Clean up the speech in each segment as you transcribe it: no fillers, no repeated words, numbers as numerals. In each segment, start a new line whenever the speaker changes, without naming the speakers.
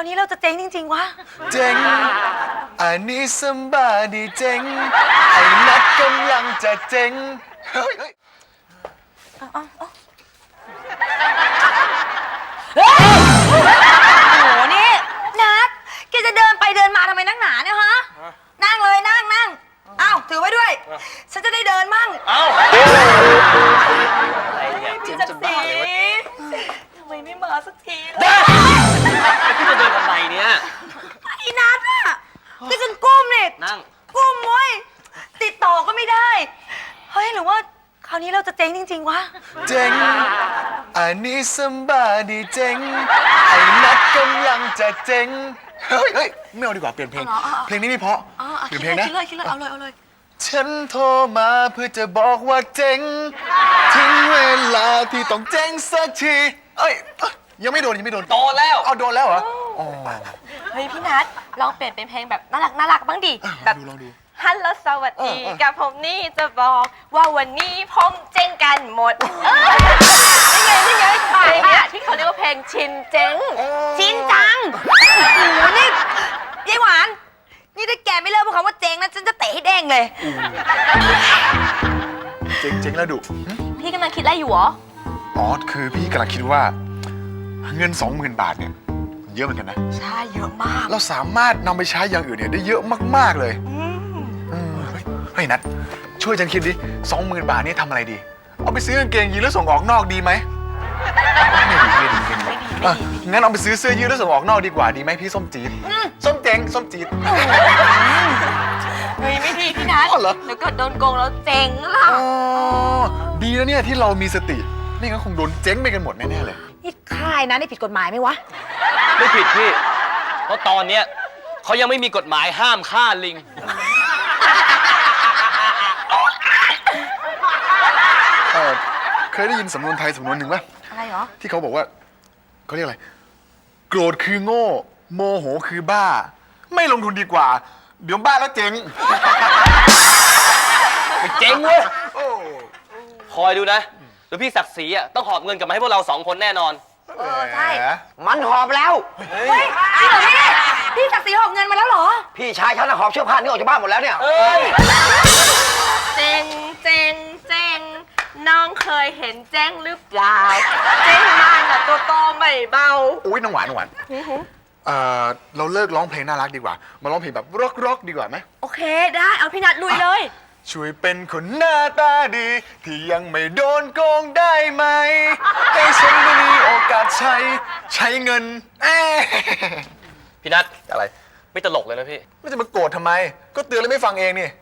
นี้เราจะเจ๊งจริงๆวะ
เจ๊งอันนี้ซัมบาดีเจ๊งไอ้นัดกำลังจะเจ๊งเฮ้ย
โอ้โหนี่นัดแกจะเดินไปเดินมาทำไมนักหนาเนี่ยฮะนั่งเลยนั่งอ้าวถือไว้ด้วยฉันจะได้เดินมั่งพี่จักรีทำไมไม่มาสักทีเลย
พี่จะเดินทำไมเนี่ย
ไอ้นัดอะก็ฉันก้มเนี่ย
นั่ง
ก้มเว้ยติดต่อก็ไม่ได้เฮ้ยหรือว่าคราวนี้เราจะเจ๊งจริงๆวะ
เจ๊งอันนี้ซัมบาดีเจ๊งไอ้นัดกำลังจะเจ๊งเฮ้ยไม่เอาดีกว่าเปลี่ยนเพลงเพลงนี้ไม่เพราะเปลี่ยนเพลงนะ
คิดเลยเอาเลย
ฉันโทรมาเพื่อจะบอกว่าเจ๊งถึงเวลาที่ต้องเจ๊งสักทียังไม่โดน
โดนแล้ว
เอาโดนแล้วเหรอ
เฮ้ยพี่นัทลองเปลี่ยนเป็นเพลงแบบน่ารักบ้างดิแบบ
ลองดู
ฮัลโหลสวัสดีกับผมนี่จะบอกว่าวันนี้ผมเจ๊งกันหมดนี่ไงเพลงเนี่ยที่เขาเรียกว่าเพลงชินเจ๊งชินจังโอ้โหนี่ยายหวานนี่ถ้าแกไม่เลิกพูดคำว่าเจ๊งนะฉันจะเตะให้เด้งเลย
เจ๊งแล้วดุ
พี่กำลังคิดอะไรอยู่หรอ
คือพี่กำลังคิดว่าเงิน 20,000 บาทเนี่ยเยอะเหมือนกันนะ
ใช่เยอะมาก
เราสามารถนำไปใช้อย่างอื่นเนี่ยได้เยอะมากๆเลยเฮ้ยนัทช่วยฉันคิดดิ 20,000 บาทนี่ทำอะไรดีเอาไปซื้อกางเกงยีนแล้วส่งออกนอกดีไหมไม่ดีงั้นเอาไปซื้อเสื้อยืดแล้วส่งออกนอกดีกว่าดีไหมพี่ส้มจี๊ดส้มเจ๊งส้มจี๊ด
เฮ้ยไม่ดีพี่นัทเดี๋ยวเกิดโดนโกงแล้วเจ๊งล่ะ
ดีนะเนี่ยที่เรามีสติไม่งั้นคงโดนเจ๊งไปกันหมดแน่ๆเลย
นี่ค่ายนะนี่ผิดกฎหมายไหมวะ
ไม่ผิดพี่เพราะตอนเนี้ยเขายังไม่มีกฎหมายห้ามฆ่าลิง
เคยได้ยินสำนวนไทยสำนวนหนึ่งป่ะ
อะไรเหรอ
ที่เขาบอกว่าเขาเรียกอะไรโกรธคือโง่โมโหคือบ้าไม่ลงทุนดีกว่าเดี๋ยวบ้าแล้วเจ๊ง
ไม่เจ๊งเว้ยคอยดูนะเดี๋ยวพี่ศักดิ์ศรีอ่ะต้องหอบเงินกลับมาให้พวกเรา2 คนแน่นอน
ใช่
มันหอบแล้ว
เฮ้ยจริงเหรอพี่ศักดิ์ศรีหอบเงินมาแล้วเหรอ
พี่ชายฉันหอบเสื้อผ้านี่ออกจากบ้านหมดแล้วเนี่ย
เจ๊งน้องเคยเห็นแจ้งหรือเปล่าเจ๊งมันอ่ะตัวโตไม่เบา
อุ้ยน้องหวานเราเลิกร้องเพลงน่ารักดีกว่ามาร้องเพลงแบบร็อกดีกว่าไหม
โอเคได้เอาพี่นัทลุยเลย
ช่วยเป็นคนหน้าตาดีที่ยังไม่โดนโกงได้ไหมให้ฉันได้มีโอกาสใช้เงิน
พี่นัท
อะไร
ไม่ตลกเลยนะพี่
ไม่จะมาโกรธทำไมก็เตือนแล้วไม่ฟังเองนี่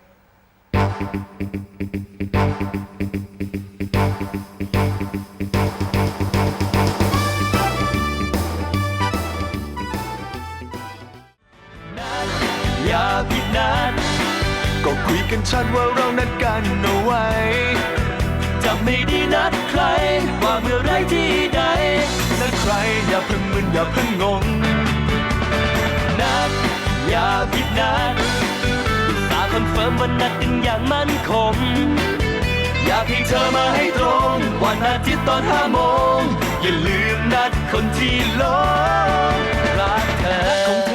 อย่าผิดนัดก็คุยกันชัดว่าเรานัดกันเอาไว้จะไม่ได้นัดใครว่าเมื่อไรที่ใดนัดใครอย่าเพิ่งมึนอย่าเพิ่งงงนัดอย่าผิดนัดตาคอนเฟิร์มว่านัดกันอย่างมั่นคงอยากให้เธอมาให้ตรงวันอาทิตย์ตอน5 โมงอย่าลืมนัดคนที่หลงรักเธอ